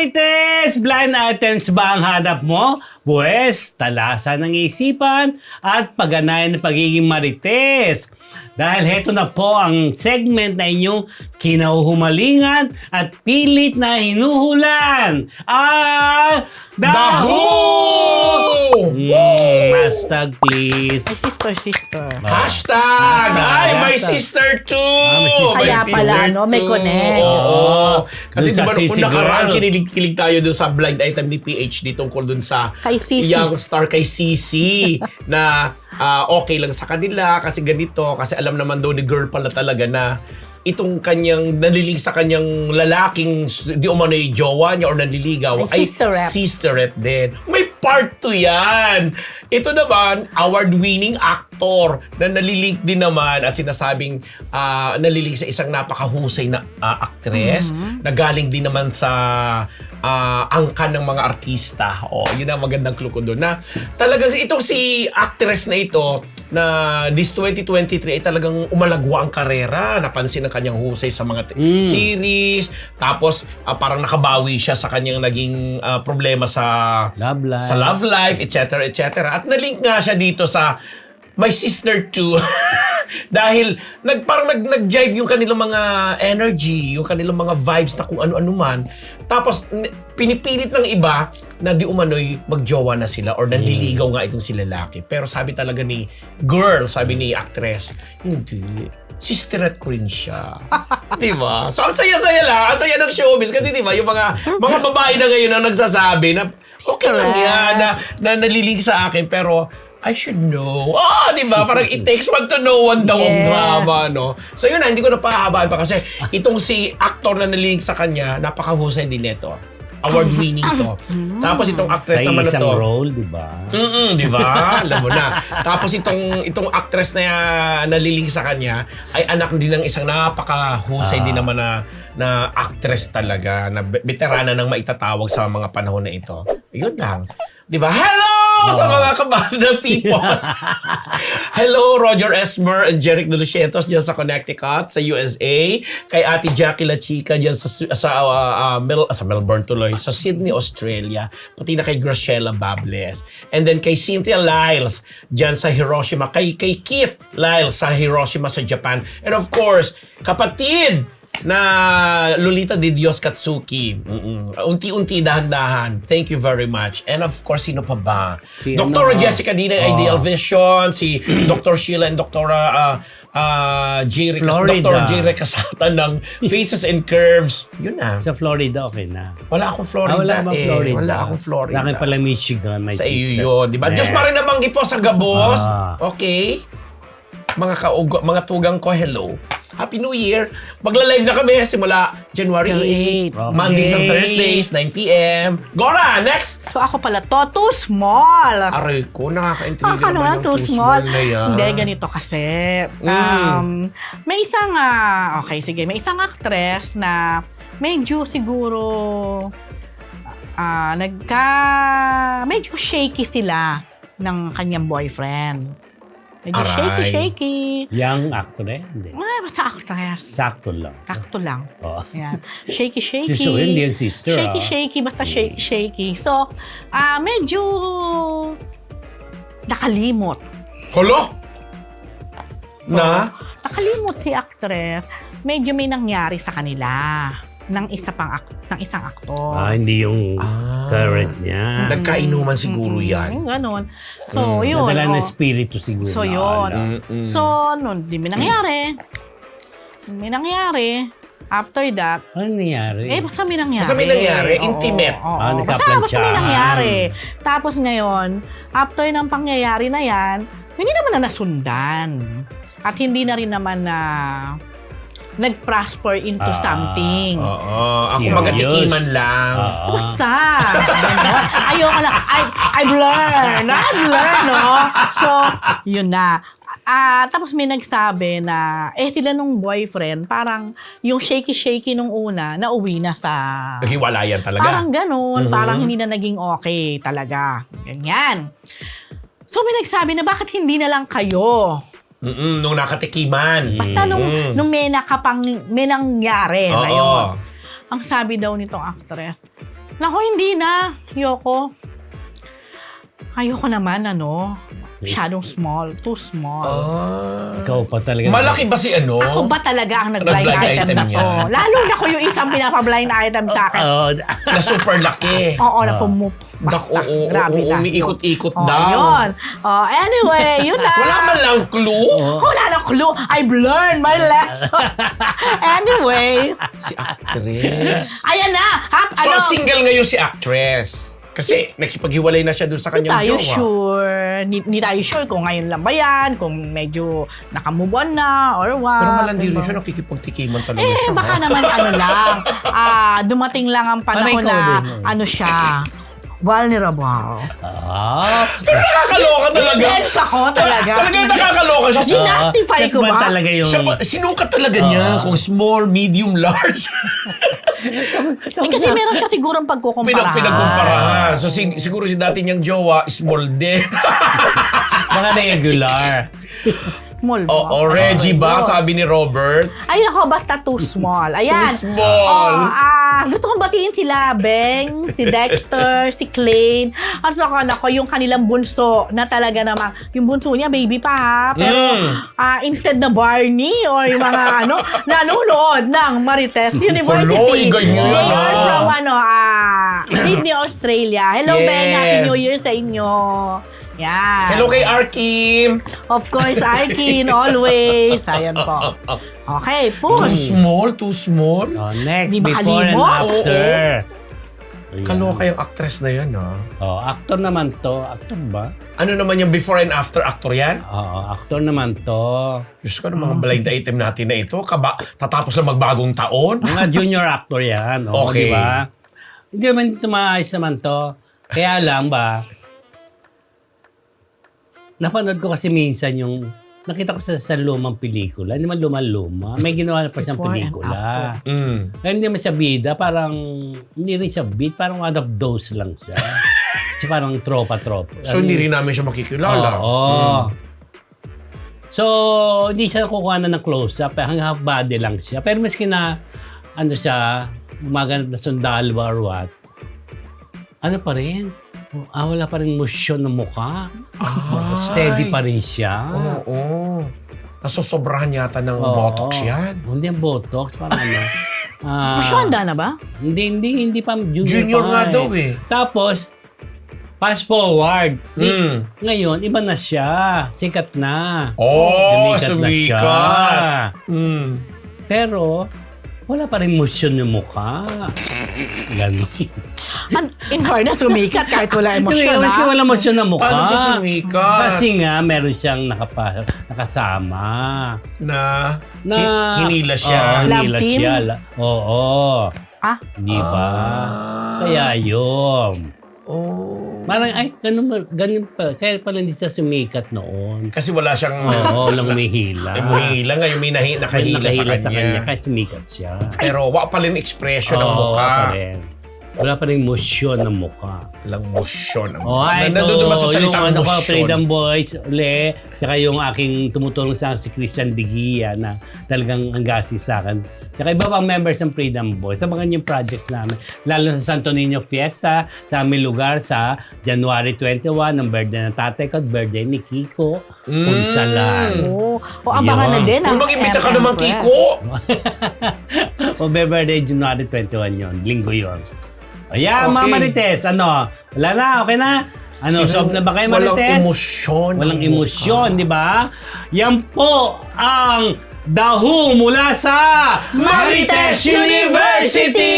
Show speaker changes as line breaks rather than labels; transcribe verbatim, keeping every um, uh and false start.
Marites! Blind items ba ang hanap mo? Buwes, talasan ng isipan at pagganayan ng pagiging marites. Dahil heto na po ang segment na inyong kinahuhumalingan at pilit na hinuhulan. Ah, Daho! Mm, hashtag please.
My sister, sister.
Hashtag!
Hashtag.
Ay, my
Hashtag.
sister too!
Ah, may sister.
Kaya
My
pala,
sister
ano, may
too.
connect.
Oo. Kasi
Dun sa
di ba,
Sissy
kung nakaraan,
Girl.
kinilig-kilig tayo dun sa blind item ni P H D tungkol dun sa
Kay Sissy.
young star kay Sissy na ah, okay lang sa kanila kasi ganito. Kasi alam naman daw ni girl pala talaga na itong kanyang nalilig sa kanyang lalaking di umano'y jowa niya or nanliligaw
Ay,
ay
sisterette.
sisterette din. May part two yan. Ito naman, award-winning actor na nalilink din naman at sinasabing ah, nalilink sa isang napakahusay na ah, actress na galing din naman sa ah, angkan ng mga artista. O, yun ang magandang clue ko doon. Na talagang itong si actress na ito na this twenty twenty-three ay talagang umalagwa ang karera. Napansin ang kanyang husay sa mga t- series. Tapos ah, parang nakabawi siya sa kanyang naging ah, problema sa
Love life.
sa love life, et cetera, et cetera. At nalink nga siya dito sa My Sister Too. Dahil nag, parang nag, nag-jive yung kanilang mga energy, yung kanilang mga vibes na kung ano-ano man. Tapos n- pinipilit ng iba na di umano'y magjowa na sila or nanliligaw nga itong si lalaki. Pero sabi talaga ni girl, sabi ni actress, hindi. Sisterette ko rin siya. Di ba? So, ang saya-saya lang. Ang saya ng showbiz. Kasi di ba, yung mga mga babae na ngayon ang nagsasabi na okay lang yan, na, na nalilig sa akin, pero I should know. Ah, di ba? Parang it takes one to know one daw ang
Yeah.
drama, no? So yun na, hindi ko na pahahabaan pa kasi itong si actor na nalilig sa kanya, napakahusay din nito. Award-winning to. Tapos itong actress
Sa
naman na
isang
to.
role, di ba?
Mm, di ba? Alam mo na. Tapos itong itong actress na uh, naliling sa kanya ay anak din ng isang napakahusay
Ah.
din naman na na actress talaga, na be- veterana ng maitatawag sa mga panahon na ito. Yun lang. Di ba? Hello sa mga kabanda people! Hello, Roger Esmer and Jeric De Lucientos dyan sa Connecticut, sa U S A. Kay Ate Jackie La Chica dyan sa, sa, uh, uh, Mel, sa Melbourne tuloy, sa Sydney, Australia. Pati na kay Graciela Bables. And then kay Cynthia Lyles dyan sa Hiroshima. Kay, kay Keith Lyles sa Hiroshima sa Japan. And of course, kapatid na Lolita de Dios Katsuki. Mm-mm. Unti-unti, dahan-dahan. Thank you very much. And of course, sino pa ba?
Si
Doktor
ano?
Jessica Dina,
Oh.
Ideal Vision, si Doctor Sheila and Doktora uh, uh, J. Recas,
Florida.
Doctor J. Recasata ng Faces and Curves. Yun na.
Sa Florida, okay na.
Wala akong Florida
Ah, wala bang
eh.
Florida?
Wala akong Florida.
Laki pala Michigan, my
Sa
sister.
iyo yun, di ba?
Eh.
Diyos pa rin nabanggi po sa Gabos.
Ah.
Okay? Mga kaugo, mga tugang ko, hello. Happy New Year. Magla-live na kami simula January eighth.
Okay.
Mondays and Thursdays, nine p.m. Gora, next!
So ako pala to, too small.
Aray ko, nakaka-intriga
Akala
naman
nga
yung
too
too
small.
small na yan.
Hindi, ganito kasi.
Mm.
Um, may isang, ah, okay, sige, may isang actress na medyo siguro, ah, nagka, medyo shaky sila ng kanyang boyfriend. Medyo
Aray.
shaky-shaky.
Young actor eh? Hindi.
Ay, basta actress.
Sakto lang.
Kakto lang.
Oo.
Ayan. Shaky-shaky.
So, hindi yung sister, ah.
Shaky-shaky, basta shaky-shaky. So, ah medyo nakalimot.
Holo? Na?
Nakalimot si actress. Medyo may nangyari sa kanila ng isa pang ak- ng isang aktor.
Ah, hindi yung
Ah.
current niya.
Nagkainuman siguro yan.
Yung ganon. So, yun.
Nadala
oh.
na espiritu siguro.
So,
na
yun.
ala.
Mm-mm.
So, nun, di may nangyari. May nangyari. After that,
Ano nangyari?
eh, basta may nangyari.
Basta may nangyari?
Oo,
Intimate?
Oo,
Ah,
basta, basta may
nagkaplantsahan.
nangyari. Tapos ngayon, after ng pangyayari na yan, hindi naman na nasundan. At hindi na rin naman na nag-prosper into
Ah,
something.
Oo. Ako
Serious?
magatikiman lang.
Oo.
Basta. Ganon. Ayoko lang. I, I've learned. I've learned, no? So, yun na. Ah, tapos may nagsabi na, eh, sila nung boyfriend, parang yung shaky-shaky nung una, nauwi na sa...
Hiwalayan talaga.
Parang ganun.
Mhm.
Parang hindi na naging okay talaga. Ganyan. So, may nagsabi na, bakit hindi na lang kayo?
Mm-mm, nung nakatikiman.
Basta nung,
Mm.
nung may nakapang, may nangyari na
Oo.
yun. Ang sabi daw nitong actress, Naku, hindi na. Ayoko. Ayoko naman, ano. Masyadong small. Too small.
Ah.
Ikaw pa talaga.
Malaki ba si ano?
Ako ba talaga ang nag-blind
Nag-blind
item,
item
na
niya?
to? Lalo na ko yung isang pinapa-blind item sa akin.
Oo.
Na super laki.
Oo, na pumup.
Dak, oo, oo,
Grabe
oo,
na.
umiikot-ikot
Oh,
daw.
yun. Oh, anyway, yun na.
Wala man lang clue.
Wala lang clue. I've learned my lesson. Anyway.
Si actress.
Ayan na. Hap,
So,
ano?
single ngayon si actress. Kasi nakipaghiwalay na siya dun sa
Hindi
kanyang
tayo
jowa.
sure. Hindi tayo sure kung ngayon lang ba yan, kung medyo nakamove on na, or what.
Pero malandi rin
diba?
siya, nakikipagtikiman talaga
Eh,
siya.
baka
ha?
naman ano lang, ah, dumating lang ang panahon
Parang ikaw
na,
din, eh.
ano siya, vulnerable.
Ah.
Nakakaloka talaga.
Intense ako talaga.
Talagang nakakaloka siya. Sin-
Sinactify
check
ko
ba
ba?
talaga yung...
siya pa, sinukat talaga niya kung small, medium, large.
Eh, kasi meron siya sigurong
Pinag
pagkukumpara.
pinagkumparahan. So sig- siguro si dati niyang jowa, small din.
Baka regular.
Small ba?
O, o Reggie ba,
Oh.
sabi ni Robert?
Ay, nako, basta too small. Ayan.
Too small.
Oh, ah, gusto kong batiin sila, Beng, si Dexter, si Clay. At saka, nako, yung kanilang bunso na talaga naman, yung bunso niya, baby pa ha. Pero,
Mm.
ah, instead na Barney or yung mga ano, nanonood ng Marites University.
Hello, ganyan,
They are
ah.
from, ano, ah, Sydney, Australia. Hello,
Yes.
Beng. Happy New Year sa inyo. Yan.
Hello kay Arkim.
Of course, Arkin, always. Ayan po. Okay,
Too
push.
small, too small.
Oh, next,
Di ba
before and
kalimot?
after. Ayan.
Kaloka yung actress na yan, ha?
Oh, actor naman to. Actor ba?
Ano naman yung before and after actor yan?
Oo, actor naman to.
Diyos ko, ano mga blind item natin na ito? Kaba, tatapos na magbagong taon?
Mga junior actor yan. Oo,
Okay.
di ba? Hindi naman ito maayos naman to. Kaya lang ba, napanood ko kasi minsan yung, nakita ko sa, sa lumang pelikula, hindi man lumang-luma, may ginawa na pa siyang
Before and
pelikula.
Mm.
Kaya hindi naman siya bida, parang, hindi rin siya bid, parang one of those lang siya. Kasi parang tropa-tropa.
So, hindi rin namin siya makikilala.
Oo. So, hindi siya kukuha na ng close-up, eh, hanggang half body lang siya. Pero maski na, ano siya, gumaganap na sundalo or what, ano pa rin? Ah, wala pa rin motion ng mukha. Steady pa rin siya.
Oo. Nasusobrahan yata ng
Oo.
botox yan.
Hindi ang botox, parang ano. Ah,
Masyanda na ba?
Hindi, hindi, hindi pa. Junior,
Junior
pa
nga daw eh.
Tapos, fast forward.
Mm.
Ngayon, iba na siya. Sikat na.
Oh,
Sumikat na
sumikat.
siya.
Mm.
Pero, wala pa rin motion yung mukha. Ganun.
An- In fairness, sumikat kahit wala emosyon,
Kasi
ha?
wala motion ng mukha.
Paano siya sumikat?
Kasi nga, meron siyang nakapa, nakasama.
Na,
Na,
hi- hinila siya.
Oo,
Love
hinila
team?
siya. La- Oo.
Ah,
Di ba?
Ah.
Kaya yun.
Oh.
Parang, ay, ganun, ba- ganun pa. Kaya pala hindi siya sumikat noon.
Kasi wala siyang...
Oo, lang umihila.
Ay, mahila. Ngayon may nahi, nakahila,
Nakahila
sa kanya.
Kaya sumikat siya.
Pero wa pa rin expression ng
Oo,
mukha.
pa rin. Wala pa rin motion ng mukha.
Lang motion ang
Oh,
mukha.
ay,
Na- Nandun naman sa
yung
salitang
ano ko,
motion.
Freedom Boys, uli, saka yung aking tumutulong sa akin, si Christian Digia na talagang ang gasis sa akin. Saka iba pang members ng Freedom Boys, sa mga yung projects namin. Lalo sa Santo Niño Fiesta, sa aming lugar sa January twenty-one, ang birthday ng tatay ko at birthday ni Kiko.
Mm.
Punsalan.
oo. O, abangan na
Yun.
din.
Kung
ang
mag-imbita ka
M M
naman,
Press.
Kiko.
O birthday January twenty-one yun, linggo yun. Ayan,
Okay.
mga Marites, ano? Wala na, okay na? Ano,
Sino-
solve na ba kayo,
walang
Marites?
emosyon
Walang
ang
emosyon, di ba? Yan po ang dahu mula sa
Marites University!